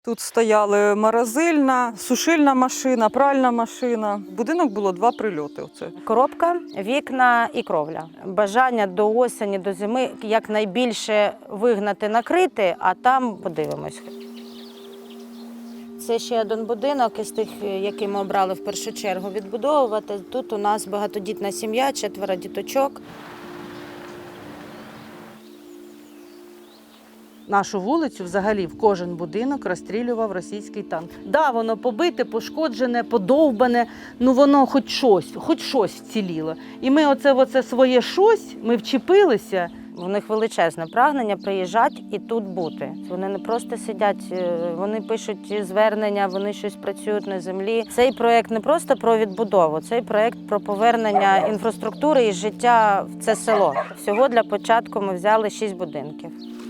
Тут стояли морозильна, сушильна машина, пральна машина. В будинок було 2 прильоти. Оце. Коробка, вікна і кровля. Бажання до осені, до зими якнайбільше вигнати, накрити, а там подивимось. Це ще один будинок із тих, який ми обрали в першу чергу відбудовувати. Тут у нас багатодітна сім'я, 4 діточок. Нашу вулицю взагалі в кожен будинок розстрілював російський танк. Да, воно побите, пошкоджене, подовбане, ну воно хоч щось вціліло. І ми оце своє щось, ми вчепилися. У них величезне прагнення приїжджати і тут бути. Вони не просто сидять, вони пишуть звернення, вони щось працюють на землі. Цей проєкт не просто про відбудову, цей проєкт про повернення інфраструктури і життя в це село. Всього для початку ми взяли 6 будинків.